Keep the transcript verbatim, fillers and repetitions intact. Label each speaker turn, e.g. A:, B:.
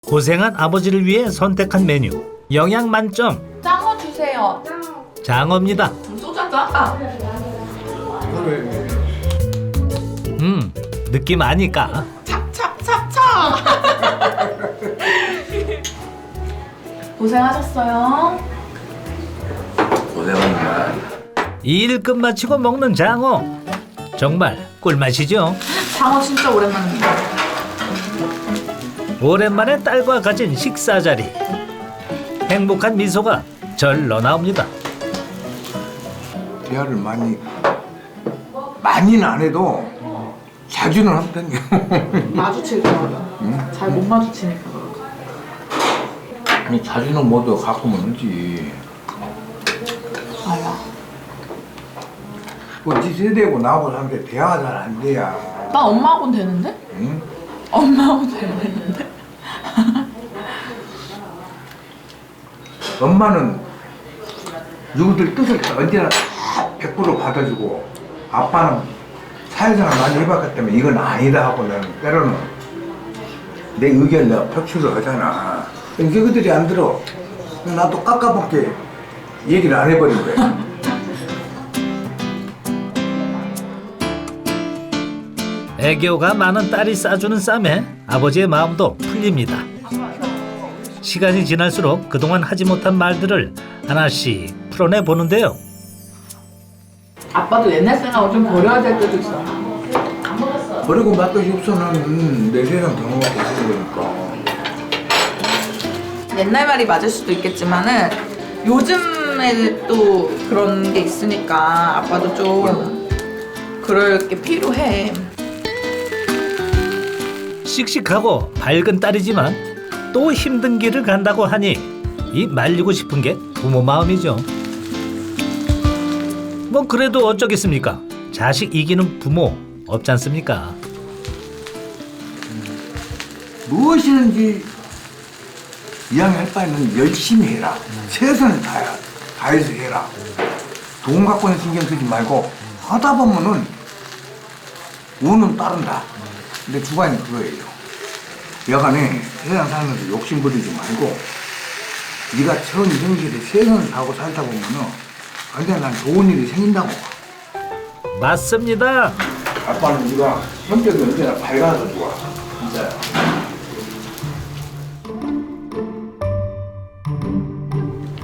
A: 고생한 아버지를 위해 선택한 메뉴 영양 만점
B: 짱어 주세요.
A: 장어입니다.
B: 소주 한잔 할까?
A: 음 느낌 아니까
B: 찹찹찹찹. 고생하셨어요.
C: 고생합니다.
A: 일 끝마치고 먹는 장어 정말 꿀맛이죠.
B: 장어 진짜 오랜만입니다.
A: 오랜만에 딸과 가진 식사 자리 행복한 미소가 절로 나옵니다.
C: 대화를 많이 많이는 안 해도 자주는 한 편이에요.
B: 마주칠게요. 잘 못 마주치니까.
C: 아니 자주는 뭐도 가끔은 하지.
B: 알아.
C: 뭐지 세대고 나하고 사는데 대화가 잘 안 돼야.
B: 나 엄마하고는 되는데?
C: 응?
B: 엄마하고는 되는데?
C: 엄마는 누구들 뜻을 언제나 백 퍼센트 받아주고 아빠는 사회생활 많이 해봤기 때문에 이건 아니다 하고 나는 때로는 내 의견을 내가 표출을 하잖아. 이게 그들이 안 들어. 나도 깎아먹게 얘기를 안 해버린 거야.
A: 애교가 많은 딸이 싸주는 쌈에 아버지의 마음도 풀립니다. 시간이 지날수록 그동안 하지 못한 말들을 하나씩 풀어내 보는데요.
B: 아빠도 옛날 생각을 좀 버려야 될 때도 있어.
C: 버리고 맛것이 없어는 내 세상 경험하고 있는 거니까.
B: 옛날 말이 맞을 수도 있겠지만은 요즘에 또 그런 게 있으니까 아빠도 좀 그럴 게 필요해.
A: 씩씩하고 밝은 딸이지만 또 힘든 길을 간다고 하니 이 말리고 싶은 게 부모 마음이죠. 뭐 그래도 어쩌겠습니까? 자식 이기는 부모 없지 않습니까?
C: 무엇이든지 이왕할 바에는 열심히 해라. 최선을 다해, 다해서 해라. 돈 갖고는 신경 쓰지 말고 하다 보면은 운은 따른다. 근데 주관이 그거예요. 여간에 세상 살면서 욕심 부리지 말고 네가 천성실에 최선을 다하고 살다 보면은 완전 난 좋은 일이 생긴다고 봐.
A: 맞습니다.
C: 아빠는 네가 성격이 언제나 밝아서 좋아.